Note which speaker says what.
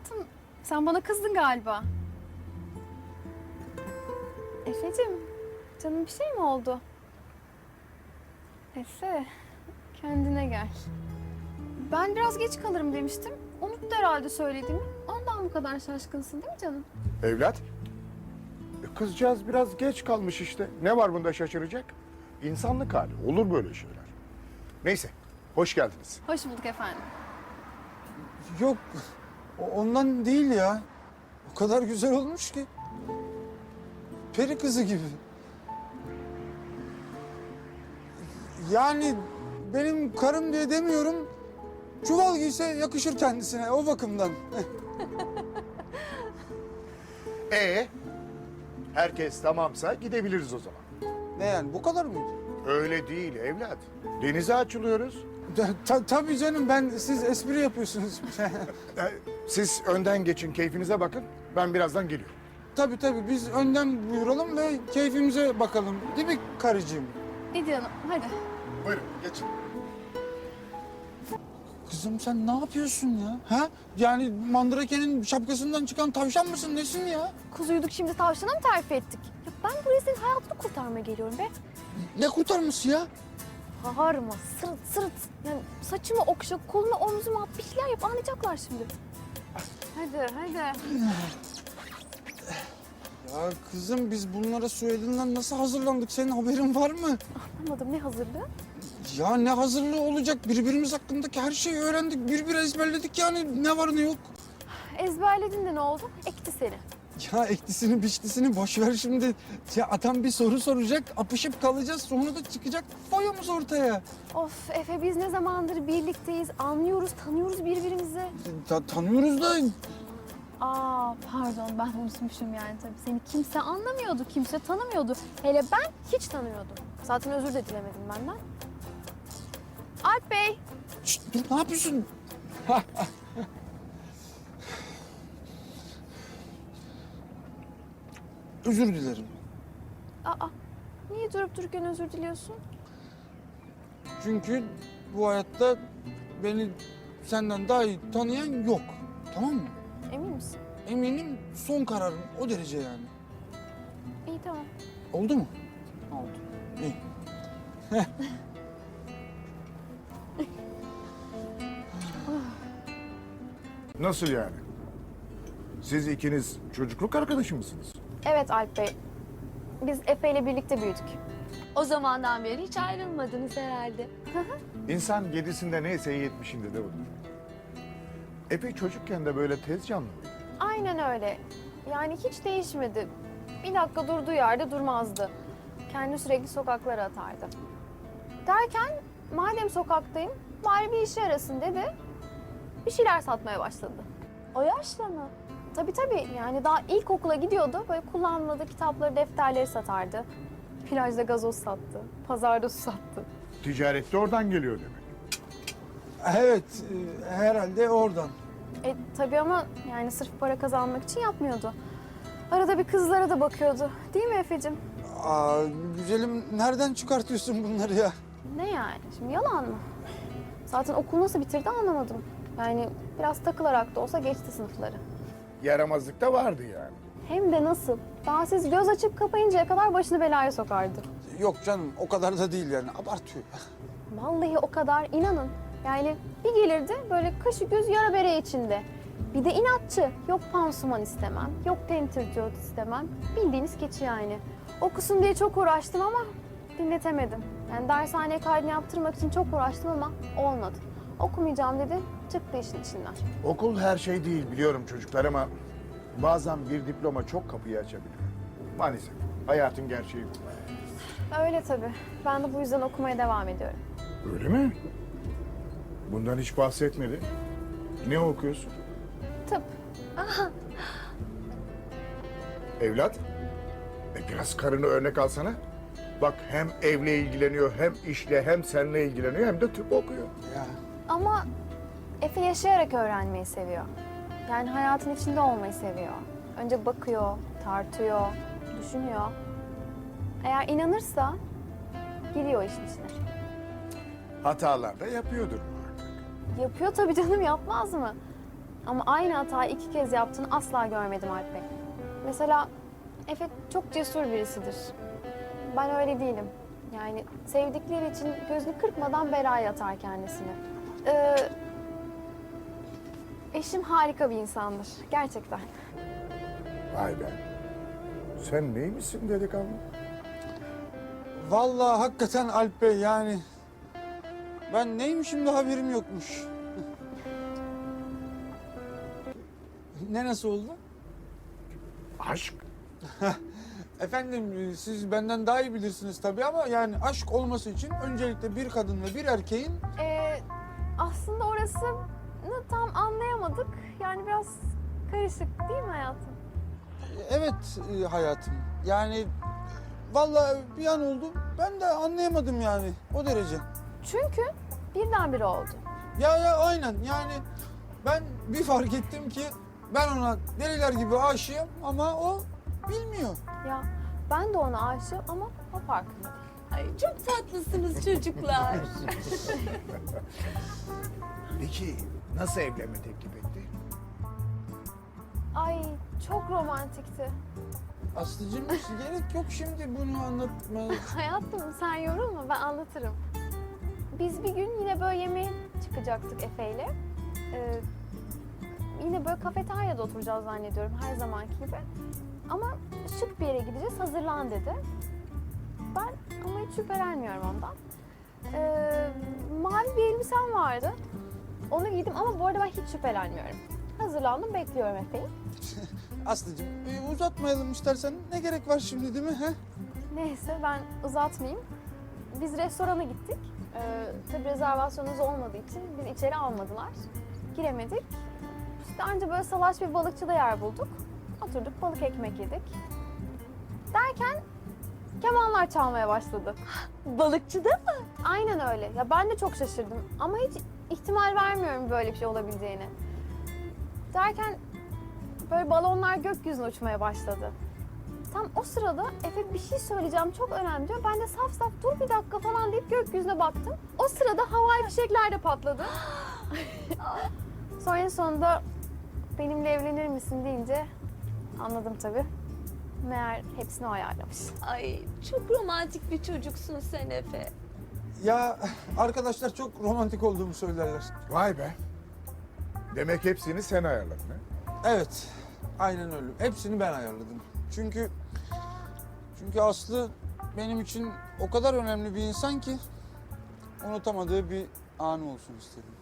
Speaker 1: Hayatım, sen bana kızdın galiba. Efe'cim, canım bir şey mi oldu? Efe, kendine gel. Ben biraz geç kalırım demiştim. Unuttu herhalde söylediğimi. Ondan bu kadar şaşkınsın değil mi canım?
Speaker 2: Evlat, kızcağız biraz geç kalmış işte. Ne var bunda şaşıracak? İnsanlık hali, olur böyle şeyler. Neyse, hoş geldiniz.
Speaker 1: Hoş bulduk efendim.
Speaker 3: Yok, ondan değil ya. O kadar güzel olmuş ki. Peri kızı gibi. Yani benim karım diye demiyorum. Çuval giyse yakışır kendisine o bakımdan.
Speaker 2: Herkes tamamsa gidebiliriz o zaman.
Speaker 3: Ne yani bu kadar mıydı?
Speaker 2: Öyle değil evlat. Denize açılıyoruz.
Speaker 3: Tabii canım siz espri yapıyorsunuz.
Speaker 2: Siz önden geçin, keyfinize bakın. Ben birazdan geliyorum.
Speaker 3: Tabii biz önden buyuralım ve keyfimize bakalım. Değil mi karıcığım?
Speaker 1: İdi Hanım, hadi.
Speaker 2: Buyurun, geçin.
Speaker 3: Kızım sen ne yapıyorsun ya? Ha? Yani Mandrake'nin şapkasından çıkan tavşan mısın nesin ya?
Speaker 1: Kuzuyduk şimdi tavşana mı terfi ettik? Ya ben buraya senin hayatını kurtarmaya geliyorum be.
Speaker 3: Ne kurtarması ya?
Speaker 1: Bağırma, sırıt. Yani saçımı okşa, kolumu omzuma at, bir şeyler yap, anlayacaklar şimdi. Hadi.
Speaker 3: Ya kızım biz bunlara Suedi'nden nasıl hazırlandık? Senin haberin var mı?
Speaker 1: Anlamadım, ne hazırlığı?
Speaker 3: Ya ne hazırlığı olacak? Birbirimiz hakkındaki her şeyi öğrendik. Bir ezberledik yani ne var ne yok.
Speaker 1: Ezberledin de ne oldu? Ekti seni.
Speaker 3: Ya eklisini biçlisini boş ver şimdi. Ya adam bir soru soracak, apışıp kalacağız. Sonra da çıkacak foyamız ortaya.
Speaker 1: Of Efe, biz ne zamandır birlikteyiz, anlıyoruz, tanıyoruz birbirimizi.
Speaker 3: Tanıyoruz da
Speaker 1: Aa pardon, ben unutmuşum yani tabii. Seni kimse anlamıyordu, kimse tanımıyordu. Hele ben hiç tanımıyordum. Zaten özür de dilemedim benden. Alp Bey.
Speaker 3: Şşt, dur ne yapıyorsun? Özür dilerim.
Speaker 1: Aa, niye durup dururken özür diliyorsun?
Speaker 3: Çünkü bu hayatta beni senden daha iyi tanıyan yok. Tamam mı?
Speaker 1: Emin misin?
Speaker 3: Eminim son kararım o derece yani.
Speaker 1: İyi tamam,
Speaker 3: Oldu mu?
Speaker 1: oldu.
Speaker 3: İyi.
Speaker 2: Nasıl yani? Siz ikiniz çocukluk arkadaşı mısınız?
Speaker 1: Evet Alp Bey, biz Efe ile birlikte büyüdük.
Speaker 4: O zamandan beri hiç ayrılmadınız herhalde.
Speaker 2: İnsan yedisinde neyse yetmişinde de olur. Epey çocukken de böyle tez canlı mıydı?
Speaker 1: Aynen öyle. Yani hiç değişmedi. Bir dakika durduğu yerde durmazdı. Kendini sürekli sokaklara atardı. Derken madem sokaktayım bari bir işe yarasın dedi. Bir şeyler satmaya başladı.
Speaker 4: O yaşta mı?
Speaker 1: Tabii yani daha ilkokula gidiyordu. Böyle kullanmadığı kitapları, defterleri satardı. Plajda gazoz sattı. Pazarda su sattı.
Speaker 2: Ticaret de oradan geliyor demek.
Speaker 3: Evet, herhalde oradan.
Speaker 1: Tabii ama yani sırf para kazanmak için yapmıyordu. Arada bir kızlara da bakıyordu. Değil mi Efe'cim?
Speaker 3: Aa, güzelim nereden çıkartıyorsun bunları ya?
Speaker 1: Ne yani? Şimdi yalan mı? Zaten okul nasıl bitirdi anlamadım. Yani biraz takılarak da olsa geçti sınıfları.
Speaker 2: Yaramazlık da vardı yani.
Speaker 1: Hem de nasıl? Daha siz göz açıp kapayıncaya kadar başını belaya sokardı.
Speaker 3: Yok canım o kadar da değil yani abartıyor.
Speaker 1: Vallahi o kadar, inanın. Yani bir gelirdi böyle kaşı göz yara bere içinde. Bir de inatçı. Yok pansuman istemem, yok tentürdiyot istemem. Bildiğiniz keçi yani. Okusun diye çok uğraştım ama dinletemedim. Yani dershaneye kaydını yaptırmak için çok uğraştım ama olmadı. Okumayacağım dedi, çıktı işin içinden.
Speaker 2: Okul her şey değil biliyorum çocuklar ama bazen bir diploma çok kapıyı açabiliyor. Maalesef hayatın gerçeği bu.
Speaker 1: Öyle tabii. Ben de bu yüzden okumaya devam ediyorum.
Speaker 2: Öyle mi? Bundan hiç bahsetmedi. Ne okuyorsun?
Speaker 1: Tıp.
Speaker 2: Evlat, biraz karını örnek alsana. Bak hem evle ilgileniyor, hem işle, hem seninle ilgileniyor, hem de tıp okuyor.
Speaker 3: Ya
Speaker 1: Ama Efe yaşayarak öğrenmeyi seviyor. Yani hayatın içinde olmayı seviyor. Önce bakıyor, tartıyor, düşünüyor. Eğer inanırsa giriyor işin içine.
Speaker 2: Hatalar da yapıyordur muhakkak.
Speaker 1: Yapıyor tabii canım, yapmaz mı? Ama aynı hatayı 2 kez yaptığını asla görmedim Alp Bey. Mesela Efe çok cesur birisidir. Ben öyle değilim. Yani sevdikleri için gözünü kırpmadan belaya atar kendisini. Eşim harika bir insandır. Gerçekten.
Speaker 2: Vay be. Sen neymişsin delikanlı?
Speaker 3: Vallahi hakikaten Alp Bey yani ben neymişim de haberim yokmuş. Ne nasıl oldu?
Speaker 2: Aşk.
Speaker 3: Efendim siz benden daha iyi bilirsiniz tabii ama yani aşk olması için öncelikle bir kadın ve bir erkeğin
Speaker 1: Aslında orasını tam anlayamadık. Yani biraz karışık değil mi hayatım?
Speaker 3: evet hayatım yani vallahi bir an oldu ben de anlayamadım yani o derece.
Speaker 1: Çünkü birdenbire oldu.
Speaker 3: Ya aynen yani ben bir fark ettim ki ben ona deliler gibi aşığım ama o bilmiyor.
Speaker 1: Ya ben de ona aşığım ama o farkında değil.
Speaker 4: Ay çok tatlısınız çocuklar.
Speaker 2: Peki nasıl evlenme teklif etti?
Speaker 1: Ay çok romantikti.
Speaker 3: Aslıcığım gerek yok şimdi bunu anlatmaya.
Speaker 1: Hayatım sen yorulma ben anlatırım. Biz bir gün yine böyle yemeğe çıkacaktık Efe'yle. Yine böyle kafeteryada oturacağız zannediyorum her zamanki gibi. Ama şık bir yere gideceğiz hazırlan dedi. Ben ama hiç şüphelenmiyorum ondan. Mavi bir elbisem vardı. Onu giydim ama bu arada ben hiç şüphelenmiyorum. Hazırlandım bekliyorum Efe'yi.
Speaker 3: Aslıcığım uzatmayalım istersen ne gerek var şimdi değil mi? He?
Speaker 1: Neyse ben uzatmayayım. Biz restorana gittik. Tabii rezervasyonumuz olmadığı için bizi içeri almadılar. Giremedik. İşte anca böyle salaş bir balıkçıda yer bulduk. Oturduk balık ekmek yedik. Derken kemanlar çalmaya başladı.
Speaker 4: Balıkçıda mı?
Speaker 1: Aynen öyle. Ya ben de çok şaşırdım ama hiç ihtimal vermiyorum böyle bir şey olabileceğini. Derken böyle balonlar gökyüzüne uçmaya başladı. Tam o sırada Efe bir şey söyleyeceğim çok önemli diyor. Ben de saf saf dur bir dakika falan deyip gökyüzüne baktım. O sırada havai fişekler de patladı. Sonra en sonunda benimle evlenir misin deyince anladım tabii. Meğer hepsini o ayarlamış.
Speaker 4: Ay çok romantik bir çocuksun sen Efe.
Speaker 3: Ya arkadaşlar çok romantik olduğumu söylerler.
Speaker 2: Vay be. Demek hepsini sen ayarladın ha?
Speaker 3: Evet aynen öyle. Hepsini ben ayarladım. Çünkü Aslı benim için o kadar önemli bir insan ki unutamadığı bir anı olsun istedim.